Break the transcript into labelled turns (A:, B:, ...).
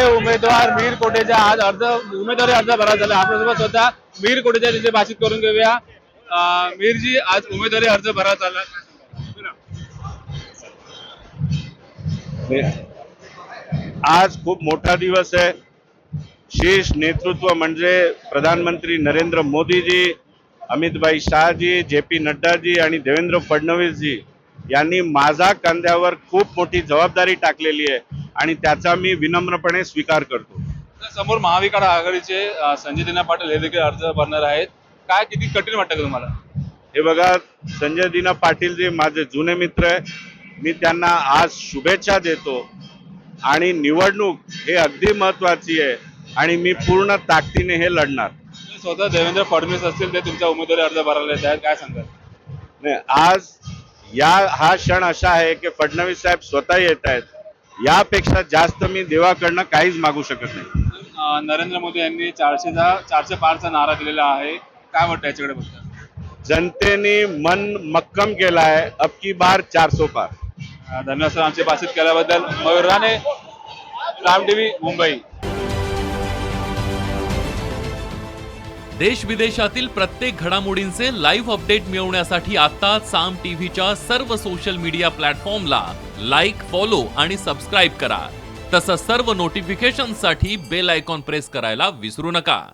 A: उमेदवार मीर कोटेचा आज उमेदवारी अर्ज भरा झाला। आपल्यासोबत होता मीर कोटेचा तिथे बातचीत करून घेऊया। मीरजी, आज उमेदवारी अर्ज भरा झाला।
B: आज खूप मोठा दिवस आहे। शीर्ष नेतृत्व म्हणजे प्रधानमंत्री नरेंद्र मोदीजी, अमितभाई शाहजी, जे.पी. नड्डाजी आणि देवेंद्र फडणवीसजी यांनी माझ्या खांद्यावर खूप मोठी जबाबदारी टाकलेली आहे आणि त्याचा मी विनम्रपणे स्वीकार करतो।
A: समोर महाविकास आघाडीचे संजय दिना पाटील हे देखील अर्ज भरणार आहेत। काय किती कठीण वाटतं का तुम्हाला?
B: हे बघा, संजय दिना पाटील जे माझे जुने मित्र आहे, मी त्यांना आज शुभेच्छा देतो आणि निवडणूक हे अगदी महत्वाची आहे आणि मी पूर्ण ताकदीने हे लढणार।
A: स्वतः देवेंद्र फडणवीस असतील ते तुमचा उमेदवारी अर्ज भरायला येत आहेत, काय सांगाल?
B: नाही, आज हा क्षण असा आहे की फडणवीस साहेब स्वतः येत आहेत। यापेक्षा जास्त मी देवाकडनं काहीच मागू शकत नाही।
A: नरेंद्र मोदी यांनी 400 पारचा नारा दिलेला आहे, काय वाटतं याच्याकडे बघता?
B: जनतेने मन मक्कम केला आहे, अब की बार 400 पार।
A: धन्यवाद सर, आमची बातचीत केल्याबद्दल। मयूर राणे, राम टीव्ही, मुंबई।
C: देश विदेशातील प्रत्येक घडामोडींचे लाईव्ह अपडेट मिळवण्यासाठी आता साम टीव्हीच्या सर्व सोशल मीडिया प्लॅटफॉर्मला लाईक, फॉलो आणि सबस्क्राईब करा। तसंच सर्व नोटिफिकेशनसाठी बेल आयकॉन प्रेस करायला विसरू नका।